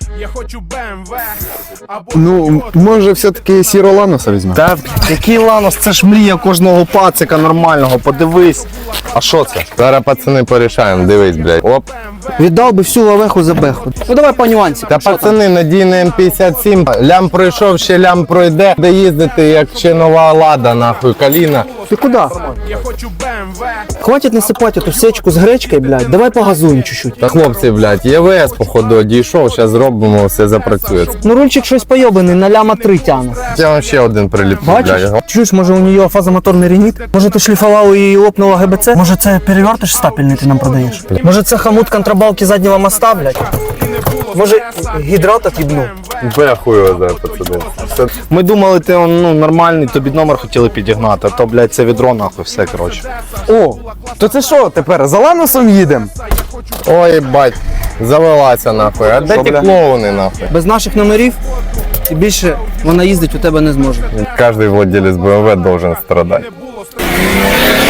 Я хочу BMW, або Ну, може все-таки Сіро Ланоса візьме? Та який Ланос, це ж мрія кожного пацика нормального, подивись. А що це? Зараз пацани порішаємо, дивись, блядь. Оп. Віддав би всю лавеху за беху. Ну давай по нюансі. Та пацани, надійний М57, лям пройшов, ще лям пройде. Де їздити, як ще нова Лада, нахуй, Каліна. Ти куди? я хочу BMW. Хватить насипати ту сечку з гречкою, блядь. Давай погазуємо чуть-чуть. Та хлопці, блядь, ЄВС, походу, одійшов, зараз зробимо, все запрацює. Ну рульчик щось пойобаний, на ляма 3 тягне. Я вам ще один приліплю, Бачиш? блядь. Чуєш, може у нее фазомоторний ренит? Може ти шліфував і лопнула ГБЦ? Може це перевертиш стапельний ти нам продаєш? Може це хомут контрабалки заднього моста, блядь? Може гідрат от'їбнув? Бехую, зараз, пацани. Все. Ми думали, ти ну, нормальний, тобі номер хотіли підігнати, а то, блядь, це відро нахуй, все, коротше. О, то це що тепер, за Ланосом їдемо? Ой, бать, завелася, нахуй. А де ті бля? клоуни, нахуй? Без наших номерів і більше вона їздить у тебе не зможе. Кожний владелець BMW должен страдати. Не було